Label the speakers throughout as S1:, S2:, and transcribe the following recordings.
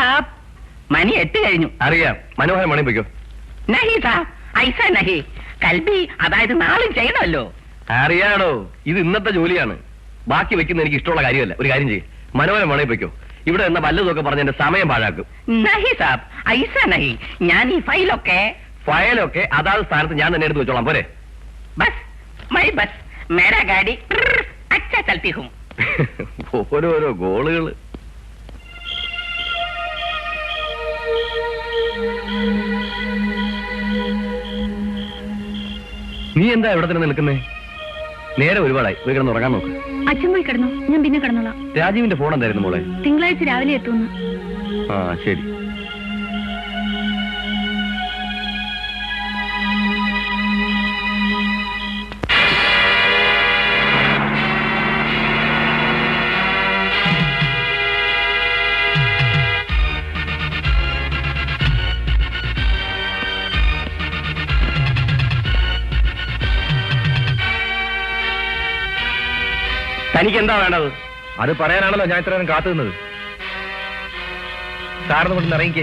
S1: സാബ്, മണി 8 കഴിഞ്ഞു.
S2: അറിയാം, മനോഹരം മണി പോയിക്കോ.
S1: നഹി സാബ്, ഐസ നഹി. കൽബി, അതായത് നാളും ചെയ്യണമല്ലോ.
S2: അറിയാടോ, ഇത് ഇന്നത്തെ ജോലിയാണ്. ബാക്കി വെക്കുന്ന എനിക്ക് ഇഷ്ടമുള്ള കാര്യമല്ല. ഒരു കാര്യം ചെയ്യും, മനോഹരം മണി പോയിക്കോ. ഇവിടെ എന്ന വല്ലതൊക്കെ പറഞ്ഞ് എന്റെ സമയം പാഴാക്കും.
S1: നഹി സാബ്, ഐസ നഹി. ഞാൻ ഈ ഫയലൊക്കെ അതാത് സ്ഥാനത്ത് ഞാൻ തന്നെ എടുത്ത് വെച്ചോളാം, പോരെ? ബസ് മൈ ബസ്, മേരാ ഗാഡി അച്ഛാ ചൽത്തി ഹും.
S2: ഓരോരോ ഗോളുകള്. നീ എന്താ ഇവിടെ തന്നെ നിൽക്കുന്നേ? നേരെ ഒരുപാടായി, പോയി കിടന്ന് ഉറങ്ങാൻ നോക്ക്.
S3: അച്ഛൻ പോയി കിടന്നു, ഞാൻ പിന്നെ കിടന്നോളാം.
S2: രാജീവിന്റെ ഫോൺ എന്തായിരുന്നു മോളെ?
S3: തിങ്കളാഴ്ച രാവിലെ എത്തുന്നു.
S2: ആ ശരി. തനിക്ക് എന്താ വേണ്ടത്? അത് പറയാനാണല്ലോ ഞാൻ ഇത്രയും കാത്തു നിന്നത്. സാറിന് കൊണ്ട് ഇറങ്ങിക്കേ.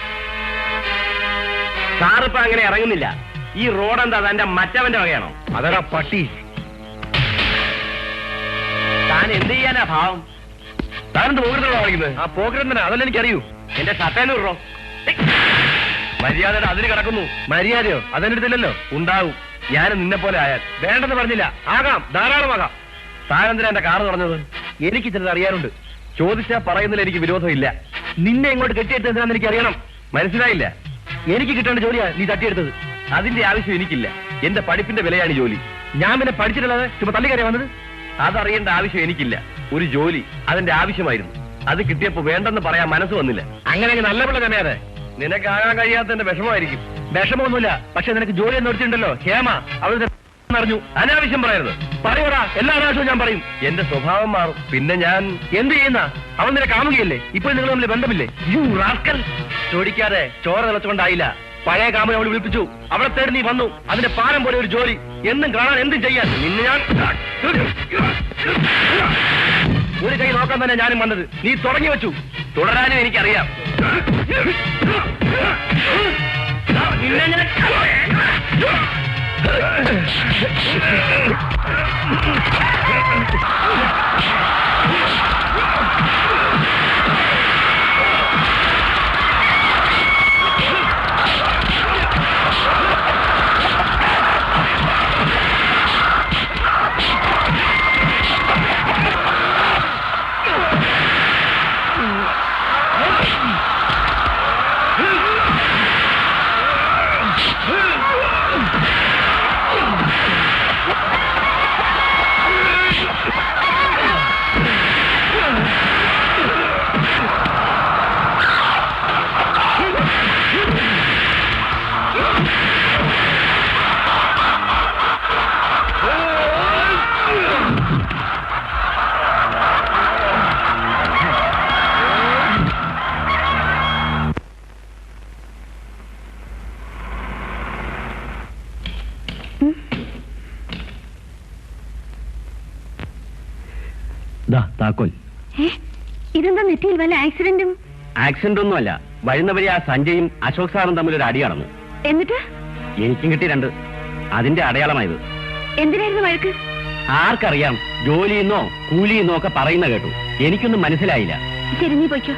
S2: സാറിപ്പോ അങ്ങനെ ഇറങ്ങുന്നില്ല. ഈ റോഡ് എന്താ തന്റെ മറ്റവന്റെ വകയാണോ? അതാ പട്ടി. താൻ എന്ത് ചെയ്യാനാ ഭാവം? താനെന്ത് പോകരുതോ കളിക്കുന്നത്? ആ പോകരുതന്നെ, അതല്ല എനിക്കറിയൂ. എന്റെ ഷട്ടേന്ന് വിടറോ. മര്യാദയുടെ അതിന് കിടക്കുന്നു. മര്യാദയോ? അതെന്റെ അടുത്തില്ലല്ലോ. ഉണ്ടാവും. ഞാൻ നിന്നെ പോലെ ആയാൽ. വേണ്ടെന്ന് പറഞ്ഞില്ല. ആകാം, ധാരാളമാകാം. താനെന്തിനാ എന്റെ കാറ് പറഞ്ഞത്? എനിക്ക് ചിലത് അറിയാറുണ്ട്. ചോദിച്ചാ പറയുന്നതിൽ എനിക്ക് വിരോധമില്ല. നിന്നെ ഇങ്ങോട്ട് കെട്ടിയെടുത്തത് എന്താണെന്ന് എനിക്ക് അറിയണം. മനസ്സിലായില്ല? എനിക്ക് കിട്ടേണ്ട ജോലിയാ നീ തട്ടിയെടുത്തത്. അതിന്റെ ആവശ്യം എനിക്കില്ല. എന്റെ പഠിപ്പിന്റെ വിലയാണ് ജോലി. ഞാൻ പിന്നെ പഠിച്ചിട്ടുള്ളത് ചുമ തള്ളിക്കറിയാ വന്നത്. അതറിയേണ്ട ആവശ്യം എനിക്കില്ല. ഒരു ജോലി അതിന്റെ ആവശ്യമായിരുന്നു. അത് കിട്ടിയപ്പോ വേണ്ടെന്ന് പറയാൻ മനസ്സ് വന്നില്ല. അങ്ങനെ നല്ല പിള്ള തന്നെയാതെ. നിനക്കാകാൻ കഴിയാത്തതിന്റെ വിഷമമായിരിക്കും. വിഷമമൊന്നുമില്ല, പക്ഷെ നിനക്ക് ജോലി എന്ന് എടുത്തിട്ടുണ്ടല്ലോ ഹേമ, അവൾ അറിഞ്ഞു. അനാവശ്യം പറയരുത്. പറയൂടാ, എല്ലാ അനാവശ്യവും ഞാൻ പറയും. എന്റെ സ്വഭാവം മാറും. പിന്നെ ഞാൻ എന്ത് ചെയ്യുന്ന? അവൻ നിന്നെ കാമുകയല്ലേ? ഇപ്പോൾ നിങ്ങൾ തമ്മിൽ ബന്ധമില്ലേ? U rascal. ചോദിക്കാതെ ചോര തിളച്ചുകൊണ്ടായില്ല. പഴയ കാമുകനെ അവൾ വിളിപ്പിച്ചു. അവളെ തേടി നീ വന്നു. അതിന്റെ പാരം പോലെ ഒരു ജോലി. എന്നും കാണാൻ എന്തും ചെയ്യാൻ. നിന്നെ ഞാൻ ഒരു കൈ നോക്കാൻ തന്നെ ഞാനും വന്നത്. നീ തുടങ്ങി വെച്ചു. തുടരാനും എനിക്കറിയാം. നിന്നെ ഞാൻ താക്കോൽ.
S3: ഇതെന്താ നെറ്റിയിൽ വല്ല ആക്സിഡന്റും?
S2: ആക്സിഡന്റ് ഒന്നുമല്ല. വരുന്നവരെ ആ സഞ്ജയും അശോക് സാറും തമ്മിൽ ഒരു അടി നടന്നു.
S3: എന്നിട്ട്
S2: എനിക്കും കിട്ടി 2. അതിന്റെ അടയാളമായത്.
S3: എന്തിനായിരുന്നു വഴക്ക്?
S2: ആർക്കറിയാം? ജോലിയെന്നോ കൂലിയെന്നോ ഒക്കെ പറയുന്ന കേട്ടു. എനിക്കൊന്നും മനസ്സിലായില്ല.
S3: ശരി, നീ പോയിക്കോ.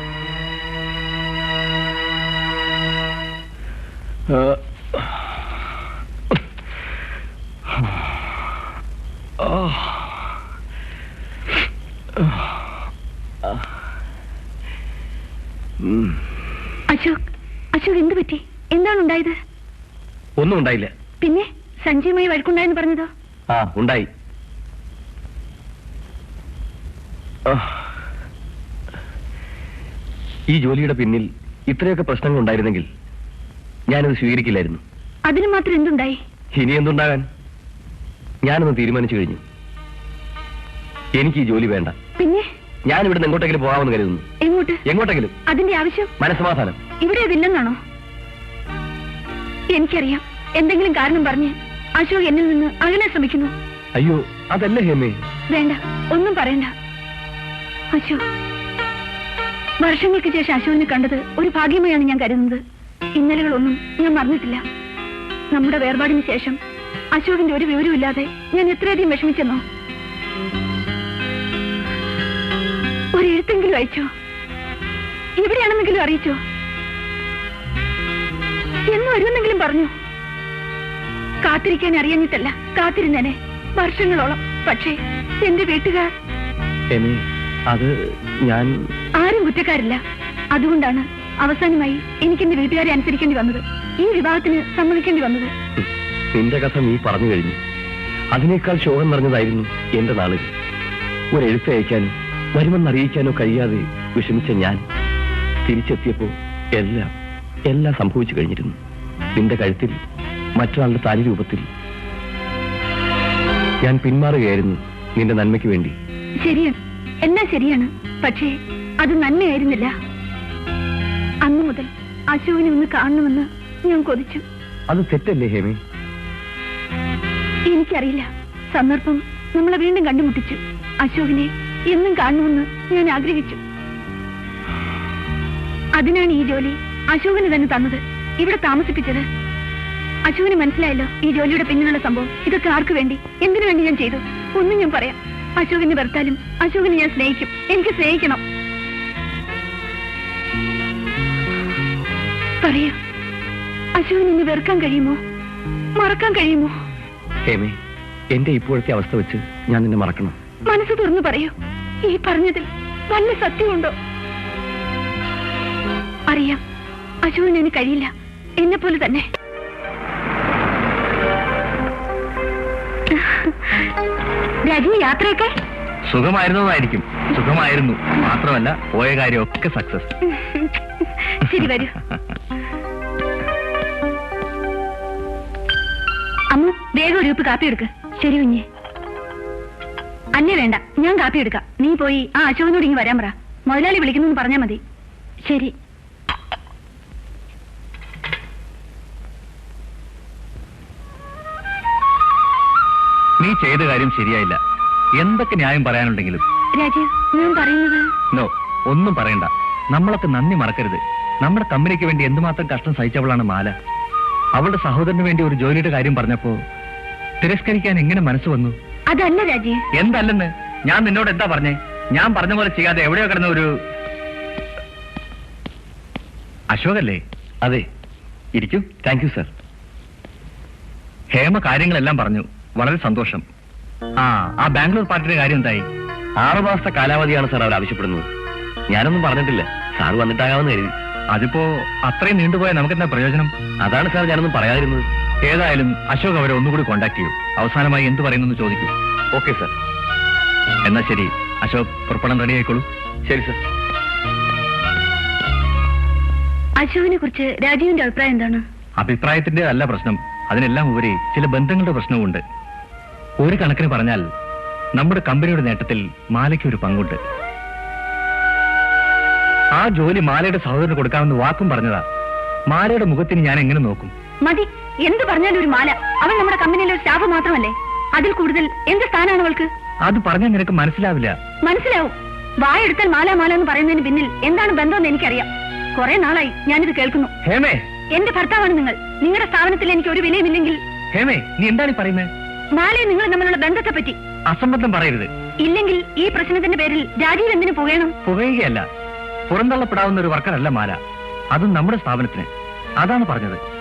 S3: അശോക് എന്ത് പറ്റി? എന്താണ് ഉണ്ടായത്?
S2: ഒന്നും ഉണ്ടായില്ല.
S3: പിന്നെ സഞ്ജയുമായി വഴക്കുണ്ടായെന്ന് പറഞ്ഞതോ?
S2: ആ, ഉണ്ടായി. ഈ ജോലിയുടെ പിന്നിൽ ഇത്രയൊക്കെ പ്രശ്നങ്ങൾ ഉണ്ടായിരുന്നെങ്കിൽ ഞാനത് സ്വീകരിക്കില്ലായിരുന്നു.
S3: അതിന് മാത്രം എന്തുണ്ടായി?
S2: ഇനി എന്തുണ്ടാകാൻ? ഞാനൊന്ന് തീരുമാനിച്ചു കഴിഞ്ഞു. എനിക്ക് ഈ ജോലി വേണ്ട.
S3: പിന്നെ
S2: ഞാൻ ഇവിടുന്ന് എങ്ങോട്ടെങ്കിലും പോകാമെന്ന് കരുതുന്നു.
S3: എങ്ങോട്ട്?
S2: എങ്ങോട്ടെങ്കിലും.
S3: അതിന്റെ ആവശ്യം?
S2: മനസ്സമാധാനം.
S3: ഇവിടെ അതില്ലെന്നാണോ? എനിക്കറിയാം, എന്തെങ്കിലും കാരണം പറഞ്ഞ് അശോക് എന്നിൽ നിന്ന് അകലാൻ ശ്രമിക്കുന്നു.
S2: അയ്യോ, അതല്ല ഹേമേ.
S3: വേണ്ട, ഒന്നും പറയണ്ട. അശോക്, വർഷങ്ങൾക്ക് ശേഷം അശോകിനെ കണ്ടത് ഒരു ഭാഗ്യമായാണ് ഞാൻ കരുതുന്നത്. ഇന്നലകളൊന്നും ഞാൻ മറന്നിട്ടില്ല. നമ്മുടെ വേർപാടിന് ശേഷം അശോകിന്റെ ഒരു വിവരമില്ലാതെ ഞാൻ എത്രയധികം വിഷമിച്ചെന്നോ. ഒരു എഴുത്തെങ്കിലും അയച്ചോ? എവിടെയാണെന്നെങ്കിലും അറിയിച്ചോ? എന്ന് വരുമെന്നെങ്കിലും പറഞ്ഞു? കാത്തിരിക്കാൻ അറിയാഞ്ഞിട്ടല്ല, കാത്തിരുന്നേനെ വർഷങ്ങളോളം. പക്ഷേ എന്റെ വീട്ടുകാർ...
S2: അത് ഞാൻ...
S3: ആരും കുറ്റക്കാരില്ല. അതുകൊണ്ടാണ് അവസാനമായി എനിക്ക് എന്റെ വീട്ടുകാരെ അനുസരിക്കേണ്ടി വന്നത്, ഈ വിവാഹത്തിന് സമ്മതിക്കേണ്ടി വന്നത്.
S2: നിന്റെ കഥ നീ പറഞ്ഞു കഴിഞ്ഞു. അതിനേക്കാൾ ശോകം നിറഞ്ഞതായിരുന്നു എന്റെ നാളുകൾ. ഒരു എഴുത്തയക്കാനോ വരുമെന്നറിയിക്കാനോ കഴിയാതെ വിഷമിച്ച ഞാൻ തിരിച്ചെത്തിയപ്പോ എല്ലാം സംഭവിച്ചു കഴിഞ്ഞിരുന്നു. നിന്റെ കഴുത്തിൽ മറ്റൊരാളുടെ താലി രൂപത്തിൽ ഞാൻ പിന്മാറുകയായിരുന്നു നിന്റെ നന്മയ്ക്ക് വേണ്ടി.
S3: ശരിയാണ്, എല്ലാം ശരിയാണ്. പക്ഷേ അത് നന്മയായിരുന്നില്ല. അന്നു മുതൽ അശോകിനെ ഒന്ന് കാണണമെന്ന് ഞാൻ കൊതിച്ചു.
S2: അത് തെറ്റല്ലേ ഹേമേ?
S3: എനിക്കറിയില്ല, സന്ദർഭം നമ്മളെ വീണ്ടും കണ്ടുമുട്ടിച്ചു. അശോകിനെ എന്നും കാണണമെന്ന് ഞാൻ ആഗ്രഹിച്ചു. അതിനാണ് ഈ ജോലി അശോകിന് തന്നെ തന്നത്, ഇവിടെ താമസിപ്പിച്ചത്. അശോകിന് മനസ്സിലായല്ലോ ഈ ജോലിയുടെ പിന്നിലുള്ള സംഭവം. ഇതൊക്കെ ആർക്ക് വേണ്ടി, എന്തിനു വേണ്ടി ഞാൻ ചെയ്തു? ഒന്നും ഞാൻ പറയാം. അശോകിനെ വെറുത്താലും അശോകിനെ ഞാൻ സ്നേഹിക്കും. എനിക്ക് സ്നേഹിക്കണം. പറയൂ, അശോകിനെ ഇനി വെറുക്കാൻ കഴിയുമോ? മറക്കാൻ കഴിയുമോ?
S2: ഹേമേ, എന്റെ ഇപ്പോഴത്തെ അവസ്ഥ വെച്ച് ഞാൻ നിന്നെ മറക്കണം.
S3: മനസ്സ് തുറന്നു പറയൂ, ഈ പറഞ്ഞതിൽ വല്ല സത്യമുണ്ടോ? അറിയാം, അശോകിന് എനിക്ക് കഴിയില്ല, എന്നെ പോലെ തന്നെ. രാജി, യാത്രയൊക്കെ
S2: സുഖമായിരുന്നതായിരിക്കും. സുഖമായിരുന്നു മാത്രമല്ല, പോയ കാര്യമൊക്കെ സക്സസ്.
S3: ശരി, വരൂ. അമ്മ, വേഗം ഒരു കപ്പ് കാപ്പി എടുക്ക്. ശരി കുഞ്ഞെ. അന്നെ വേണ്ട, ഞാൻ കാപ്പി എടുക്കാം. നീ പോയി ആ അശോകനോട് ഇങ്ങ് വരാൻ പറ. മുതലാളി വിളിക്കുന്നു പറഞ്ഞാൽ മതി. ശരി.
S2: നീ ചെയ്ത കാര്യം ശരിയായില്ല. എന്തൊക്കെ ന്യായം പറയാനുണ്ടെങ്കിലും.
S3: രാജീവ്, ഞാൻ പറയുന്നത്...
S2: നോ, ഒന്നും പറയണ്ട. നമ്മളൊക്കെ നന്ദി മറക്കരുത്. നമ്മുടെ കമ്പനിക്ക് വേണ്ടി എന്തുമാത്രം കഷ്ടം സഹിച്ചവളാണ് മാല. അവളുടെ സഹോദരന് വേണ്ടി ഒരു ജോലിയുടെ കാര്യം പറഞ്ഞപ്പോ തിരസ്കരിക്കാൻ എങ്ങനെ മനസ്സ് വന്നു?
S3: അതല്ല രാജീവ്.
S2: എന്തല്ലെന്ന്? ഞാൻ നിന്നോട് എന്താ പറഞ്ഞേ? ഞാൻ പറഞ്ഞ പോലെ ചെയ്യാതെ എവിടെയോ കിടന്ന ഒരു... അശോകല്ലേ? അതെ, ഇരിക്കൂ. Thank you sir. ഹേമ കാര്യങ്ങളെല്ലാം പറഞ്ഞു. വളരെ സന്തോഷം. ആ ബാംഗ്ലൂർ പാർട്ടിയുടെ കാര്യം എന്തായി? 6 മാസത്തെ കാലാവധിയാണ് സാർ അവർ ആവശ്യപ്പെടുന്നത്. ഞാനൊന്നും പറഞ്ഞിട്ടില്ല. സാർ വന്നിട്ടാകാമെന്ന് കരുതി. അതിപ്പോ അത്രയും നീണ്ടുപോയാൽ നമുക്കെന്താ പ്രയോജനം? അതാണ് സാർ ഞാനൊന്നും പറയാതിരുന്നത്. ഏതായാലും അശോക് അവരെ ഒന്നുകൂടി കോണ്ടാക്ട് ചെയ്യൂ. അവസാനമായി എന്ത് പറയുന്നു ചോദിക്കൂ. Okay sir. എന്നാ ശരി, അശോക് പുറപ്പെടാൻ റെഡി ആയിക്കോളൂ. ശരി സാർ.
S3: അശോകിനെ കുറിച്ച് രാജീവിന്റെ അഭിപ്രായം എന്താണ്?
S2: അഭിപ്രായത്തിന്റെ അല്ല പ്രശ്നം. അതിനെല്ലാം ഉപരി ചില ബന്ധങ്ങളുടെ പ്രശ്നവുമുണ്ട്. ഒരു കണക്കിന് പറഞ്ഞാൽ നമ്മുടെ കമ്പനിയുടെ നേട്ടത്തിൽ മാലയ്ക്ക് ഒരു പങ്കുണ്ട്. ആ ജോലി മാലയുടെ സഹോദരന് കൊടുക്കാമെന്ന് വാക്കും പറഞ്ഞതാ. മാലയുടെ മുഖത്തിന് ഞാൻ എങ്ങനെ നോക്കും?
S3: മതി, എന്ത് പറഞ്ഞാലും ഒരു മാല. അവൾ നമ്മുടെ കമ്പനിയിലെ ഒരു സ്റ്റാഫ് മാത്രമല്ലേ? അതിൽ കൂടുതൽ എന്ത് സ്ഥാനമാണ് അവൾക്ക്?
S2: അത് പറഞ്ഞാൽ നിനക്ക് മനസ്സിലാവില്ല.
S3: മനസ്സിലാവും. വായെടുത്താൽ മാല മാല എന്ന് പറയുന്നതിന് പിന്നിൽ എന്താണ് ബന്ധമെന്ന് എനിക്കറിയാം. കുറെ നാളായി ഞാനിത് കേൾക്കുന്നു.
S2: ഹേമേ,
S3: എന്റെ ഭർത്താവാണ് നിങ്ങൾ. നിങ്ങളുടെ സ്ഥാപനത്തിൽ എനിക്ക് ഒരു വിലയുമില്ലെങ്കിൽ...
S2: ഹേമേ, നീ എന്താണ് പറയുന്നത്?
S3: മാലയെ നിങ്ങൾ തമ്മിലുള്ള ബന്ധത്തെ പറ്റി
S2: അസംബന്ധം പറയരുത്.
S3: ഇല്ലെങ്കിൽ ഈ പ്രശ്നത്തിന്റെ പേരിൽ രാജീവ് എന്തിനു പുകയണം?
S2: പുകയുകയല്ല, പുറന്തള്ളപ്പെടാവുന്ന ഒരു വർക്കറല്ല മാല. അതും നമ്മുടെ സ്ഥാപനത്തിന്. അതാണ് പറഞ്ഞത്.